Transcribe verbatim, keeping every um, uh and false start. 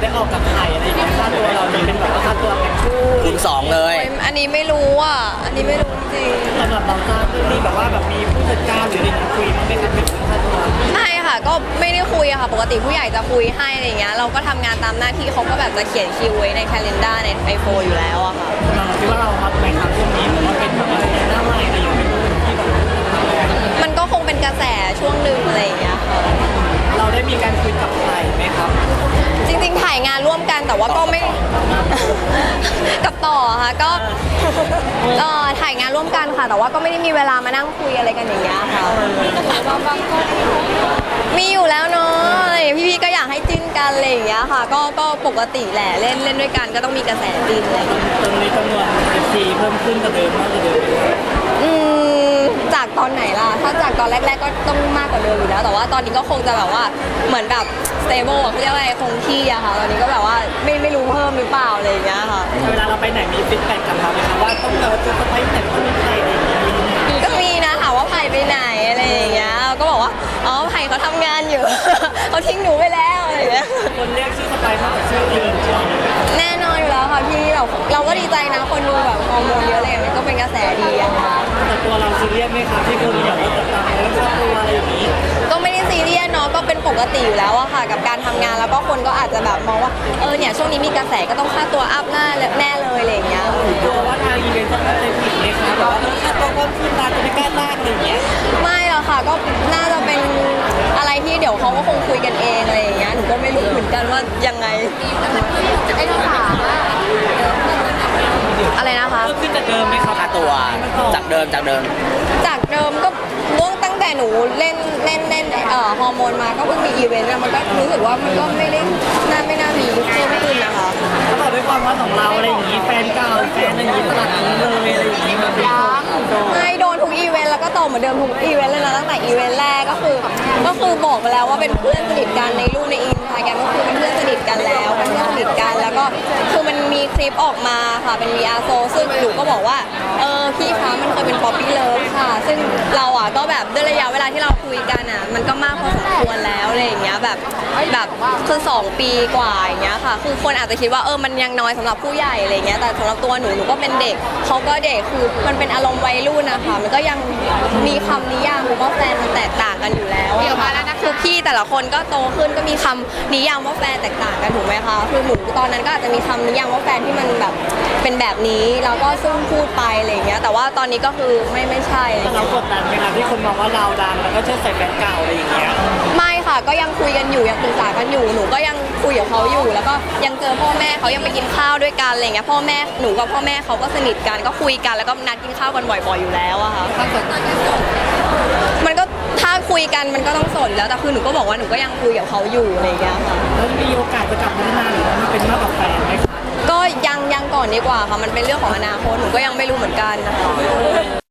ได้ออกกับใครอะไรอย่างเงี้ยค่าตัวเราจะเป็นแบบค่าตัวแข่งคู่คูณสองเลยอันนี้ไม่รู้อ่ะอันนี้ไม่รู้จริงสำหรับเราทราบเรื่องนี้แบบว่าแบบมีผู้จัดการหรืออะไรอย่างเงี้ยคุยมันไม่กันเป็นค่าตัวไม่ค่ะก็ไม่ได้คุยอะค่ะปกติผู้ใหญ่จะคุยให้อะไรอย่างเงี้ยเราก็ทำงานตามหน้าที่เขาก็แบบจะเขียนคิวไว้ใน calendar ในไอโฟนอยู่แล้วอะค่ะเราคิดว่าเราฮอตไหมครับช่วงนี้หรือว่าเป็นแบบอะไรหน้าใหม่อะไรอย่างเงี้ยที่แบบมันก็คงเป็นกระแสช่วงหนึ่งอะไรอย่างเงี้ยค่ะเราได้มีการคุยกับใครไหมครับจริงๆถ่ายงานร่วมกันแต่ว่าก็ไม่ กับต่อค่ะก็เอ่อถ่ายงานร่วมกันค่ะแต่ว่าก็ไม่ได้มีเวลามานั่งคุยอะไรกันอย่างเงี้ยค่ะมีอยู่แล้วเนาะอะไรอย่างเงี้ยพี่ๆก็อยากให้จิ้นกันอะไรอย่างเงี้ยค่ะ ก็ก็ปกติแหละเล่นเล่นด้วยกันก็ต้องมีกระแสจิ้นอะไรอย่างเงี้ยตรงนี้จำนวนเอฟซีเพิ่มขึ้นกว่าเดิมมากกว่าเดิมไหมครับอืมจากตอนไหนล่ะถ้าจากตอนแรกๆก็ต้องมากกว่าเดิมอยู่แล้วแต่ว่าตอนนี้ก็คงจะแบบว่าเหมือนแบบ stable อะเขาเรียกว่าอะไรคงที่อะค่ะตอนนี้ก็แบบว่าไม่ไม่รู้เพิ่มหรือเปล่าอะไรอย่างเงี้ยค่ะเวลาเราไปไหนมีฟีดแบ็กกลับมาไหมครับว่าต้องเราจะไปไหนต้องมีใครอะไรอย่างเงี้ยก็มีนะถามว่าไผ่ไปไหนอะไรอย่างเงี้ยเราก็บอกว่าอ๋อไผ่เขาทำงานอยู่ เขาทิ้งหนูไปแล้วอะไรอย่างเงี้ยคนเรียกชื่อสไปมากกว่าชื่อจริงใช่ไหมแน่นอนอยู่แล้วค่ะพี่เราเราก็ดีใจนะคนดูแบบฮอร์โมนเยอะเลยมันก็เป็นกระแสดีอะค่ะแต่ตัวเราซีเรียสไหมครับที่คนแบบว่าติดตามเรื่องครอบครัวอะไรอย่างนี้ก็ไม่ได้ซีเรียสเนาะก็เป็นปกติอยู่แล้วอะค่ะ กับการทำงานแล้วก็คนก็อาจจะแบบมองว่าเออเนี่ยช่วงนี้มีกระแสก็ต้องค่าตัวอัพหน้าแน่เลยอะไรอย่างเงี้ยกลัวว่าทางอีเวนต์จะเข้าใจผิดไหมครับแบบว่าเออค่าตัวเพิ่มขึ้นมาจะไม่กล้าลากอะไรอย่างเงี้ยไม่หรอกค่ะก็น่าจะเป็นอะไรที่เดี๋ยวเขาก็คงคุยกันเองอะไรอย่างเงี้ยหนูก็ไม่รู้เหมือนกันว่ายังไงไอ้คำถามอะไรนะคะเพิ่มขึ้นจากเดิมไหมครับค่าตัวจากเดิมจากเดิมจากเดิมก็เรื่องตั้งแต่หนูเล่นเล่นเล่นเอ่อฮอร์โมนมาก็เพิ่งมีอีเวนต์อะมันก็รู้สึกว่ามันก็ไม่ได้น่าไม่น่ามีเพิ่มขึ้นนะคะแล้วแบบด้วยความว่าของเราอะไรอย่างนี้แฟนเก่าแฟนอะไรอย่างนี้ตลาดนี้เลยอะไรอย่างนี้มันเป็นโดนไม่โดนทุกอีเวนต์แล้วก็โตเหมือนเดิมทุกอีเวนต์เลยนะตั้งแต่อีเวนต์แรกก็คือก็คือบอกไปแล้วว่าเป็นเพื่อนสนิทกันในรูปในอินสตาแกรมก็คือเป็นเพื่อนสนิทกันแล้วเป็นเพื่อนสนิทกันแล้วก็คือมันมีคลิปออกมาค่ะเป็น วี อาร์ โซซึ่งหนูก็บอกว่าเออพี่คะมันเคยเป็นป๊อปปี้เลิฟค่ะ ซึ่งเราอ่ะก็แบบด้วยระยะเวลาที่เราคุยกันอ่ะมันก็มากพอสมควรแล้วอะไรอย่างเงี้ยแบบแบบคือสองปีกว่าอย่างเงี้ยค่ะคือคนอาจจะคิดว่าเออมันยังน้อยสำหรับผู้ใหญ่อะไรเงี้ยแต่สำหรับตัวหนูหนูก็เป็นเด็กเขาก็เด็กคือมันเป็นอารมณ์วัยรุ่นนะคะมันก็ยังมีคำนิยามหรือว่าแฟนมันแตกต่างกันอยู่แล้วอะค่ะคือพี่แต่ละคนก็โตขึ้นก็มีคำนิยามว่าแฟนแตกต่างกันถูกไหมคะคือหนูตอนนั้นก็อาจจะมีคำนิยามว่าแฟนที่มันแบบเป็นแบบนี้แล้วก็ซึ่งพูดไปอะไรเงี้ยแต่ว่าตอนนี้ก็คือไม่ไม่ใช่อะไรแต่เราเงี้ยกดดันไหมครับที่คนมองว่าเราดังแล้วก็เชื่อใส่แฟนเก่าอะไรอย่างเงี้ยไม่ค่ะก็ยังคุยกันอยู่ยังปรึกษากันอยู่หนูก็ยังคุยกับเขาอยู่ แล้วก็ยังเจอพ่อแม่เขายังไปกินข้าวด้วยกันอะไรเงี้ยพ่อแม่หนูกับพ่อแม่เขาก็สนิทกันก็คุยกันแล้วก็นัดกินข้าวกันบ่อยๆอยู่แล้วอะค่ะมันก็ถ้าคุยกันมันก็ต้องสนแล้วแต่คือหนูก็บอกว่าหนูก็ยังคุยกับเขาอยู่อะไรเงี้ยค่ะแล้วมีโอกาสจะกลับมาพัฒนาหรือว่ามันเป็นมากกว่าแฟนไหมครับก็ยังยังก่อนดีกว่าค่ะมันเป็นเรื่องของอนาคตหนูก็ยังไม่รู้เหมือนกันนะคะ